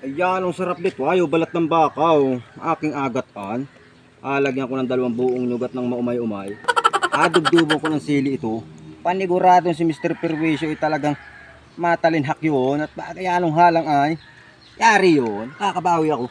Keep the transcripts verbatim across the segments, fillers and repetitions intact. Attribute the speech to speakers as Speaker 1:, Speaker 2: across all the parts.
Speaker 1: Ayan, ang sarap nito. Ayaw, balat ng bakaw. Aking agatan. Alagyan ko ng dalawang buong nyugat ng maumay-umay. Adugdubo ko ng sili ito. Paniguradong si mister Perwisyo ay talagang matalinhak yun. At bagay anong halang ay, yari yun. Kakabawi ako.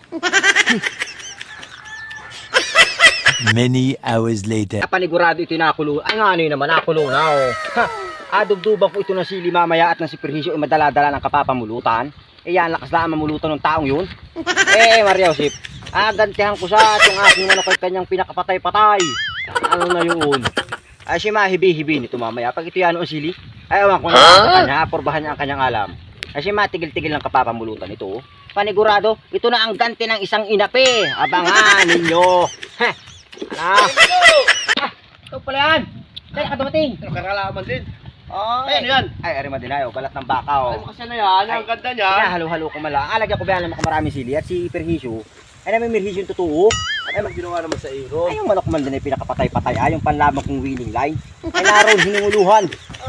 Speaker 2: Many hours later.
Speaker 1: Panigurado ito nakulo. Ay nga ano yun naman, nakulo na oh. Ha, adugduban ko ito ng sili mamaya at ng si Perwisyo ay madala-dala ng kapapamulutan. Eh yan, lakas na mamulutan ng taong yun. Eh, Maria Josep, agantihan ko sa itong aking manok ay kanyang pinakapatay-patay. Ano na yun? Ay, si mahibi-hibi nito mamaya. Pag ito yan o sili, ay awan ko na sa kanya, porbahan niya ang kanyang alam. Ay, si matigil-tigil ng kapapamulutan ito. Panigurado, ito na ang ganti ng isang inapi. Abangan ninyo. Heh. Ah. Ah, ito pala yan. Kaya ka dumating.
Speaker 3: Nakakalaman din.
Speaker 1: Oh,
Speaker 3: Ay, ano yan?
Speaker 1: Ay, arima din ayo, balat ng bakaw.
Speaker 3: Ay, kasi na yan. Ang ganda niya.
Speaker 1: Halo-halo ko mala. Alagyan ko ba yan ng maraming sili at si Perhisyo. Ay, namin Perhisyo yung totoo.
Speaker 3: Ay, mag ginawa naman sa iyo.
Speaker 1: Ay, yung manok man din ay pinakapatay-patay. Ay, yung panlamang kong winning line. Ay, naroon hinunguluhan.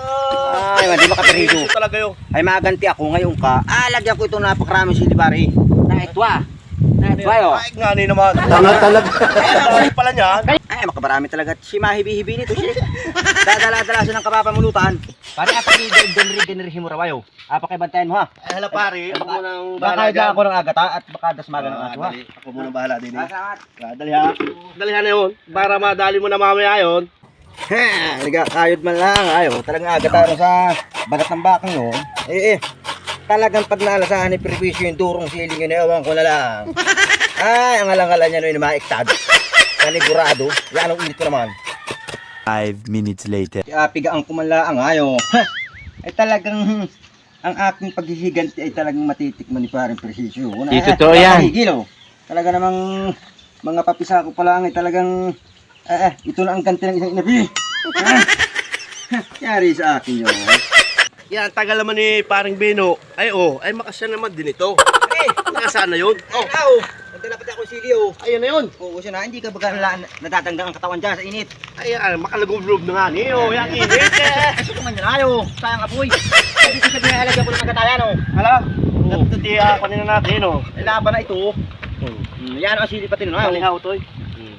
Speaker 1: Ay, man, di ba ka Perhisyo?
Speaker 3: Talaga yun.
Speaker 1: Ay, maganti ako ngayon ka. Alagyan ko itong napakaraming sili pare. Na etwa. Na etwa yo.
Speaker 3: Ay, nga ni naman.
Speaker 1: Tanga talaga.
Speaker 3: Ay, pala niyan.
Speaker 1: Ay, makabarami talaga. Si mahibi-hibi nito. Si dadala-dala siya ng kapapamulutan. Pare, apak ni Denri-Denri Himurawayo. Apak kay bantayan mo ha.
Speaker 3: Ay, hala pare. Ako munang
Speaker 1: Baka
Speaker 3: bahala
Speaker 1: dyan ako ng agata at baka dasmagan ng
Speaker 3: Ah,
Speaker 1: aso ha.
Speaker 3: dali. Ako munang bahala din. eh.
Speaker 1: Salamat.
Speaker 3: Ah, Dali ha. Dali ha na yun. Para madali mo na mamaya yun.
Speaker 1: Ha, liga, kayod man lang. Ayo, talagang agata sa balat ng bakang yun. Eh, eh. Talagang pag naalasahan ni Perwisyo yung durong siling yun, ewan ko na lang. Ay, ang alang-alang niya nun yung maiktad. Panigurado. Yan ang ulit ko naman.
Speaker 2: Five minutes later.
Speaker 1: Uh, pigaan ko man lang ayo. Ay talagang ang aking paghihiganti ay talagang matitikman ni Paring Perwisyo.
Speaker 2: Di totoo yan.
Speaker 1: Higil, oh. Talaga namang mga papisa ko pa lang ay talagang eh, eh, ito na ang ganti ng isang inabi. Ah, yari sa akin yun.
Speaker 3: Yan, tagal naman ni paring Bino. Ay, oh. Ay, makasya naman din ito.
Speaker 1: Ay,
Speaker 3: Nakasaan na yun.
Speaker 1: oh,
Speaker 3: Oh,
Speaker 1: oh. Nagdala pati ako sili, oh.
Speaker 3: ayun na yun.
Speaker 1: Oo, siya na, hindi ka baga nala- natatanggang ang katawan dyan sa init.
Speaker 3: Ay, ah, makalagog-loob na nga ni. Oh, yan, init eh.
Speaker 1: Ay, ito man yun, ayo. Sayang apoy. Ay, dito sabi na alagyan ko ng agatayan, oh.
Speaker 3: Hala. Oh. Dati ako nila natin, oh.
Speaker 1: Ay, laban na ito, oh.
Speaker 3: Hmm.
Speaker 1: Hmm, yan ang sili pati nun, ayo.
Speaker 3: Malihaw to, eh.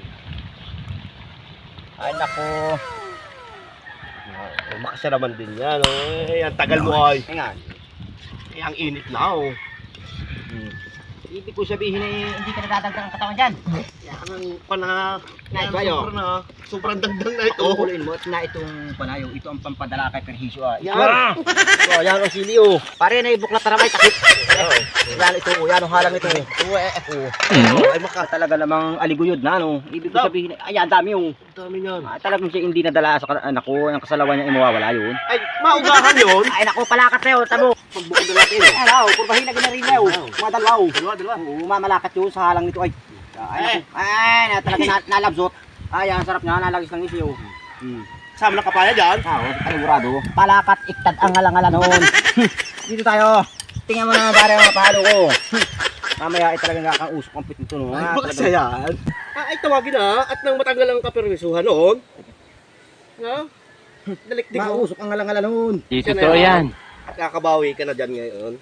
Speaker 1: Ay, nako.
Speaker 3: Oh, makasya naman din yan, oh. Eh, ang tagal mo ay.
Speaker 1: Ay, nga.
Speaker 3: Eh, ang init na, oh.
Speaker 1: Hmm. Ibig ko sabihin eh, hindi ka natatanggang ang katawan dyan.
Speaker 3: Yan ang pana.
Speaker 1: Nice,
Speaker 3: Yan,
Speaker 1: bayo.
Speaker 3: sobrang na. Sobrang dagdag na ito.
Speaker 1: Kukuloyin mo at na itong panayo, ito ang pampadala kay Perhisyo ah.
Speaker 3: Yan.
Speaker 1: Oh, yan ang sili oh. Pare na ibuklat na ramay takip. Yan ito oh, yan ang halang ito oh. Oo, eh, oh. Ay maka talaga namang aliguyod na no. Ibig ko sabihin, ay ang dami yung
Speaker 3: Ang dami niyan.
Speaker 1: ah, talagang siya hindi nadala sa anak ko, ang kasalawan niya ay mawawala yun.
Speaker 3: Ay, maugahan yun.
Speaker 1: Ay nako, palakat na yun, tamo.
Speaker 3: Pagbukod na natin, oh.
Speaker 1: Ay nako, kurbahin na ginarin na oh. Mga dalaw.
Speaker 3: Dalawa, dalawa.
Speaker 1: Oo, mamalakat yun sa halang nito ay. Ay, nako. Ay, na talaga na, nalabsot. Ay, ang sarap niya, nalagis lang isi oh. Hmm.
Speaker 3: Sama ng kapaya dyan.
Speaker 1: Ah, oh, panigurado. Palakat, iktad ang alangala noon. Dito tayo. Tingnan mo na pare mga palo ko. Mamaya ay talagang kakausok ang pit nito no.
Speaker 3: Ay,
Speaker 1: Ah,
Speaker 3: baka
Speaker 1: talagang-
Speaker 3: yan. Ah, ay, tawagin na. At nang matanggal ang kapermisuhan noon. Ha? Dalikdik mo.
Speaker 1: Mausok ang alangala noon.
Speaker 2: Di
Speaker 3: Siya na
Speaker 2: totoo yan.
Speaker 3: Kakabawi ka na dyan ngayon.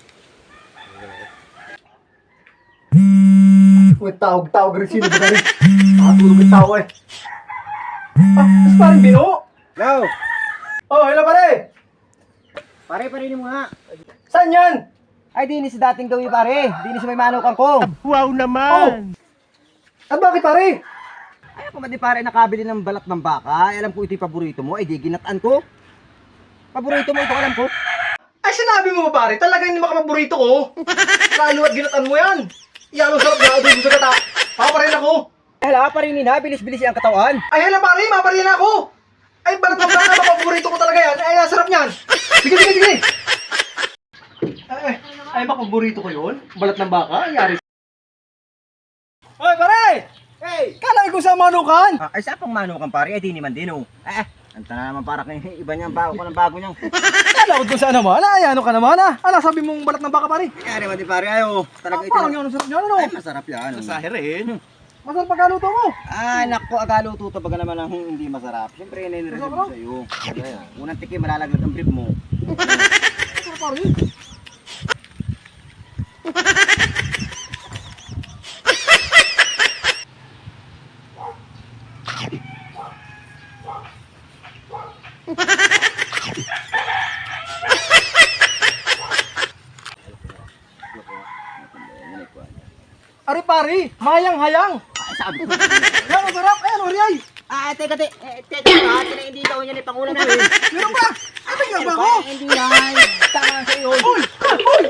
Speaker 4: Uy, tawag-tawag rin sino ba rin? Nakatulog yung tao eh. Ah, mas parang Bino?
Speaker 1: Go.
Speaker 4: Oh, hello pare!
Speaker 1: Pare, pare mo nga.
Speaker 4: Saan yan?
Speaker 1: Ay, dinis sa dating gawi pare. Dinis sa may manukan ko.
Speaker 3: Wow naman!
Speaker 4: At bakit pare?
Speaker 1: Ay, ako man di pare nakabili ng balat ng baka. Ay, alam ko ito yung paborito mo. Ay, di ginataan ko. Paborito mo ito, alam ko.
Speaker 4: Ay, sinabi mo ba pare? Talaga hindi makapaborito ko. Lalo at ginatan mo yan. Yan ang sarap na adobo sa gata. Paparin ako.
Speaker 1: Ay, hala, parinin na. Bilis-bilis ang katawan.
Speaker 4: Ay, hala pare, maparin ako. Ay, balat ng baka, mapaborito ko talaga yan. Ay, ang sarap niyan. Sige, sige, sige. Ay, ay, mapaborito ko yun. Balat ng baka, yari. Hoy, pare!
Speaker 1: Hey!
Speaker 4: Kala ko sa manukan.
Speaker 1: Ah, ay, sa pang manukan pare. Ay, di naman din oh. Eh, anta na naman para kay iba niyang bago ko ng bago niyang.
Speaker 4: Kala ko saan naman. Ay, ano ka naman ah. Ala, sabi mong balat ng baka pare.
Speaker 1: Kaya naman di pare ayo. Talaga
Speaker 4: Ah,
Speaker 1: ito.
Speaker 4: parang yun ang sarap niyan, ano?
Speaker 1: Ay, masarap yan.
Speaker 3: Nasahe rin.
Speaker 4: Masarap pagkaluto mo.
Speaker 1: Ah, nako, agaluto to baga naman ang hindi masarap. Siyempre, yun yung
Speaker 4: Masarap,
Speaker 1: recipe sa iyo. Unang tikim, malalaglag ang brief mo.
Speaker 4: Masarap pare. Ari pare, mayang-hayang.
Speaker 1: Ay, sabi ko.
Speaker 4: Yan, masarap. Ayan, Mariay.
Speaker 1: Ah, teka, te, eh, teka, ha, tina, hindi daw yan eh, pangulam namin.
Speaker 4: Meron ba? Ano nga ba ako?
Speaker 1: Eh, Hindi yan. Tama sa iyo.
Speaker 4: Uy! Uy!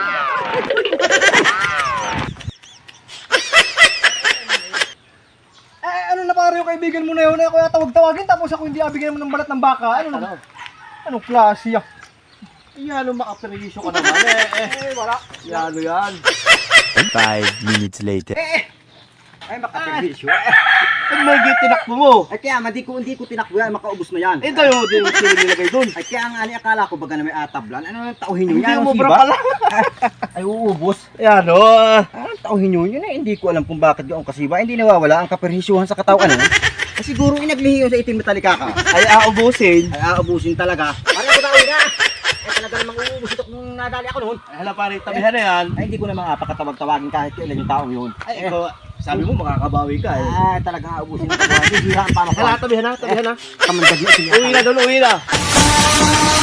Speaker 4: Eh, ano na pare yung kaibigan mo na yun? Ako yung tawag-tawagin tapos ako hindi abigyan mo ng balat ng baka. Ano na? Anong klase ah?
Speaker 3: Yan, makaperwisyo ka naman eh.
Speaker 4: Eh, wala.
Speaker 3: Yan, yan.
Speaker 2: Five minutes later.
Speaker 1: Ay, makaperwisyo.
Speaker 3: Pag may tinakbo mo.
Speaker 1: Ay, kaya, hindi ko, hindi ko tinakbo yan, makaubos na yan.
Speaker 3: Eh, tayo, di mo sila nilagay doon.
Speaker 1: Ay, kaya nga, ni, akala ko baga na may atablan. Ano nang tauhin nyo
Speaker 3: Hindi
Speaker 1: yan?
Speaker 3: mo
Speaker 1: Ang
Speaker 3: bra
Speaker 1: siba?
Speaker 3: pala.
Speaker 1: Ay, uubos.
Speaker 3: Yan, o.
Speaker 1: Ah, ang tauhin nyo yun eh. Hindi ko alam kung bakit yung kasiba. Hindi nawawala ang kaperhisyuhan sa katawan. Ano? Eh, siguro inaglihi yun sa itim na talikaka.
Speaker 3: Ay, aubusin.
Speaker 1: Ay, aabusin talaga. Pare ako tawin na. Ay, talaga namang uubos ito kung nadali ako noon.
Speaker 3: Ay, hala pare, tabihan na yan.
Speaker 1: Ay, hindi ko naman pakatawag-tawagin kahit kailan yung taong yun.
Speaker 3: Ay, ikaw, sabi mo makakabawi ka eh.
Speaker 1: Ay, talagang aabusin ito. Hindi hiraan pa
Speaker 3: Hala,
Speaker 1: makuha.
Speaker 3: tabihan na, tabihan na.
Speaker 1: Kamandag na siniya.
Speaker 3: Uwi na doon, uwi na.